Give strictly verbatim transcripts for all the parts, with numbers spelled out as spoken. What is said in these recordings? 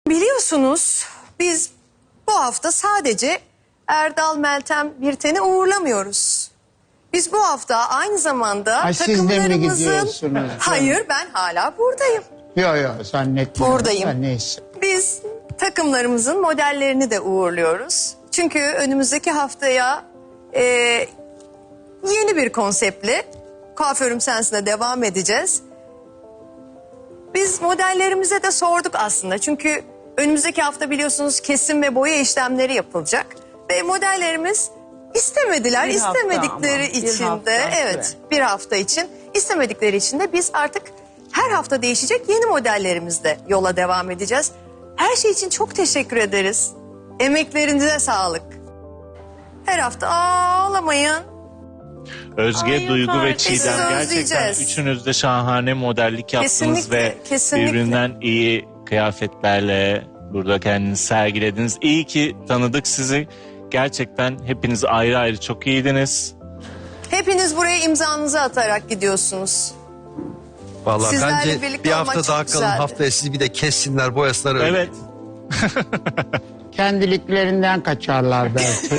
Biliyorsunuz biz bu hafta sadece Erdal, Meltem, Birten'i uğurlamıyoruz. Biz bu hafta aynı zamanda Ay, siz de mi takımlarımızın... gidiyorsunuz? Hayır, ben hala buradayım. Yok yok zannetmiyorum. Buradayım. Ha, neyse. Biz takımlarımızın modellerini de uğurluyoruz. Çünkü önümüzdeki haftaya e, yeni bir konseptle Kuaförüm Sensin'e devam edeceğiz. Biz modellerimize de sorduk aslında. Çünkü önümüzdeki hafta biliyorsunuz kesim ve boya işlemleri yapılacak. Ve modellerimiz istemediler. Bir hafta İstemedikleri ama, bir için hafta de süre. evet bir hafta için istemedikleri için de biz artık her hafta değişecek yeni modellerimizle yola devam edeceğiz. Her şey için çok teşekkür ederiz. Emeklerinize sağlık. Her hafta ağlamayın. Özge, Ay, Duygu yok ve artık. Çiğdem Sizi gerçekten özleyeceğiz. üçünüz de şahane modellik yaptınız Kesinlikle, ve kesinlikle. birbirinden iyi kıyafetlerle burada kendinizi sergilediniz. İyi ki tanıdık sizi. Gerçekten hepiniz ayrı ayrı çok iyiydiniz. Hepiniz buraya imzanızı atarak gidiyorsunuz. Vallahi Sizlerle bence birlikte bir olmak hafta çok daha kalın, güzeldi. haftaya sizi bir de kessinler, boyasınlar öyle. Evet. Kendiliklerinden kaçarlar belki.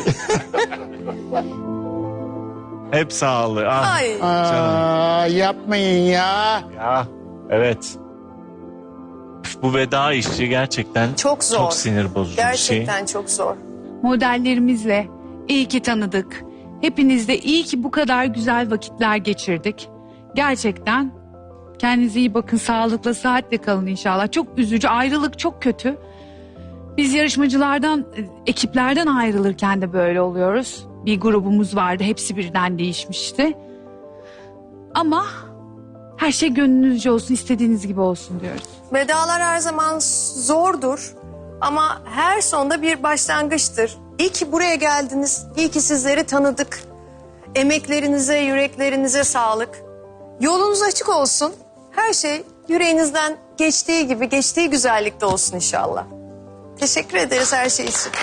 Hep sağlığı. Ah, Ay. Aa, yapmayın ya. ya. Evet. Bu veda işi gerçekten Çok zor. çok sinir bozucu bir şey. Gerçekten çok zor. Modellerimizle iyi ki tanıdık. Hepinizle iyi ki bu kadar güzel vakitler geçirdik. Gerçekten kendinize iyi bakın, sağlıkla, sıhhatle kalın inşallah. Çok üzücü, ayrılık çok kötü. Biz yarışmacılardan, ekiplerden ayrılırken de böyle oluyoruz. Bir grubumuz vardı, hepsi birden değişmişti. Ama her şey gönlünüzce olsun, istediğiniz gibi olsun diyoruz. Vedalar her zaman zordur ama her sonda bir başlangıçtır. İyi ki buraya geldiniz, iyi ki sizleri tanıdık. Emeklerinize, yüreklerinize sağlık. Yolunuz açık olsun. Her şey yüreğinizden geçtiği gibi, geçtiği güzellikte olsun inşallah. Teşekkür ederiz her şey için.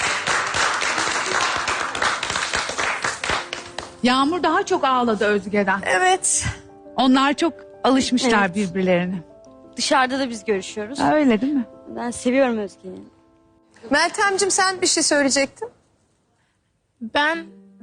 Yağmur daha çok ağladı Özge'den. Evet. Onlar çok alışmışlar Evet. birbirlerine. Dışarıda da biz görüşüyoruz. Ha, öyle değil mi? Ben seviyorum Özge'yi. Meltemciğim sen bir şey söyleyecektin. Ben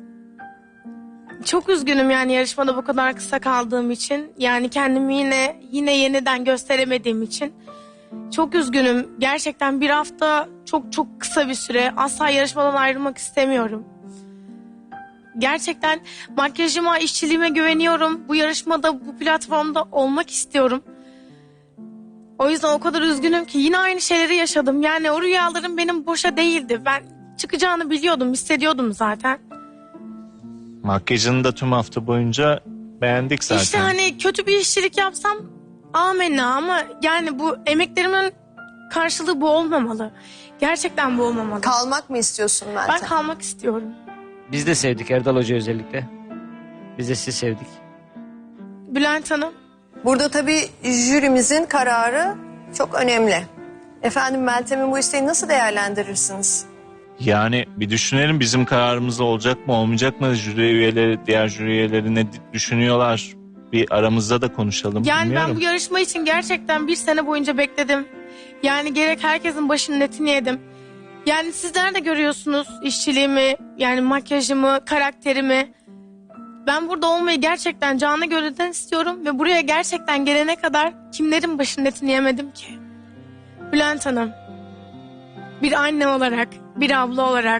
çok üzgünüm yani yarışmada bu kadar kısa kaldığım için. Yani kendimi yine yine yeniden gösteremediğim için. Çok üzgünüm. Gerçekten bir hafta çok çok kısa bir süre. Asla yarışmadan ayrılmak istemiyorum. Gerçekten makyajıma, işçiliğime güveniyorum. Bu yarışmada, bu platformda olmak istiyorum. O yüzden o kadar üzgünüm ki yine aynı şeyleri yaşadım. Yani o rüyalarım benim boşa değildi. Ben çıkacağını biliyordum, hissediyordum zaten. Makyajını da tüm hafta boyunca beğendik zaten. İşte hani kötü bir işçilik yapsam amenna ama yani bu emeklerimin karşılığı bu olmamalı. Gerçekten bu olmamalı. Kalmak mı istiyorsun Meltem? Ben kalmak istiyorum. Biz de sevdik Erdal Hoca özellikle. Biz de sizi sevdik. Bülent Hanım. Burada tabii jürimizin kararı çok önemli. Efendim Meltem'in bu isteğini nasıl değerlendirirsiniz? Yani bir düşünelim bizim kararımız olacak mı olmayacak mı? Jüri üyeleri, diğer jüri üyeleri ne düşünüyorlar? Bir aramızda da konuşalım. Yani Bilmiyorum. ben bu yarışma için gerçekten bir sene boyunca bekledim. Yani gerek herkesin başının etini yedim. Yani sizler de görüyorsunuz işçiliğimi, yani makyajımı, karakterimi. Ben burada olmayı gerçekten canı gönülden istiyorum ve buraya gerçekten gelene kadar kimlerin başının etini yemedim ki? Bülent Hanım, bir anne olarak, bir abla olarak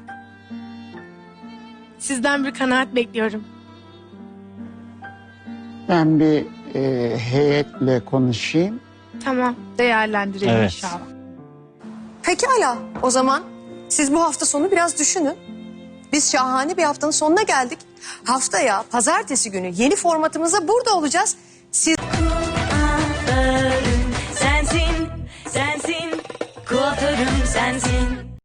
sizden bir kanaat bekliyorum. Ben bir e, heyetle konuşayım. Tamam. Değerlendirelim Evet. inşallah. Pekala o zaman siz bu hafta sonu biraz düşünün. Biz şahane bir haftanın sonuna geldik. Haftaya pazartesi günü yeni formatımızda burada olacağız. Siz...